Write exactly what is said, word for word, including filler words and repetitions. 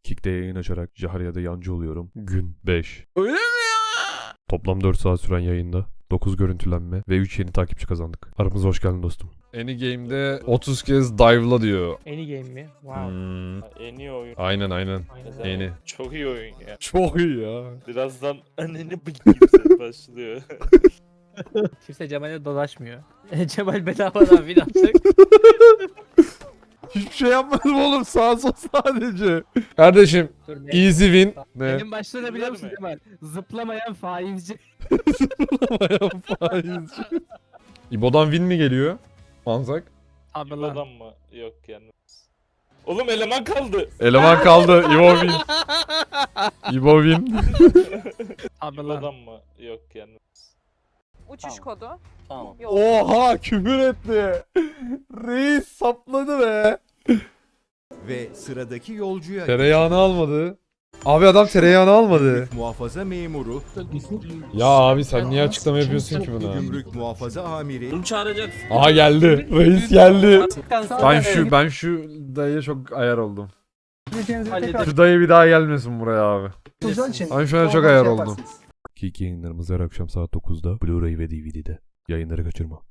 Kick'te yayın açarak Jaharya'da yancı oluyorum. Gün beş. Öyle mi ya? Toplam dört saat süren yayında dokuz görüntülenme ve üç yeni takipçi kazandık. Aramıza hoş geldin dostum. Anygame'de otuz kez dive'la diyor. Any game mi? Wow. Hmm. En iyi oyun. Aynen aynen. Aynen. Yeni. Çok iyi oyun ya. Çok iyi ya. Birazdan anneni bık gibi başlıyor. Kimse Cemal'e dolaşmıyor. Cemal bedavadan win atacak. Hiçbir şey yapmadım oğlum. Sağ sol sadece. Kardeşim Dur ne? easy win. Ne? Benim başta ne biliyor musun Güzel mi? Cemal? Zıplamayan faizci. Faizci. İbo'dan win mi geliyor? Manzak. Abi lan. İbo'dan mı? Yok yalnız. Oğlum eleman kaldı. Eleman kaldı. İbo win. İbo win. Abi lan. İbo'dan mı? Yok yalnız. Uçuş Tamam. kodu. Tamam. Yok. Oha küfür etti. Reis sapladı be. Ve sıradaki yolcuya Tereyağını almadı. Abi adam tereyağını almadı. Gümrük muhafaza memuru, Ya abi sen niye açıklama yapıyorsun ki buna? gümrük muhafaza amiri, Aha geldi. Reis geldi. Ben şu ben şu dayıya çok ayar oldum. Şu dayı bir daha gelmesin buraya abi. Ben şu an çok ayar oldum. Kick yayınlarımız her akşam saat dokuzda Blu-ray ve D V D'de. Yayınları kaçırma.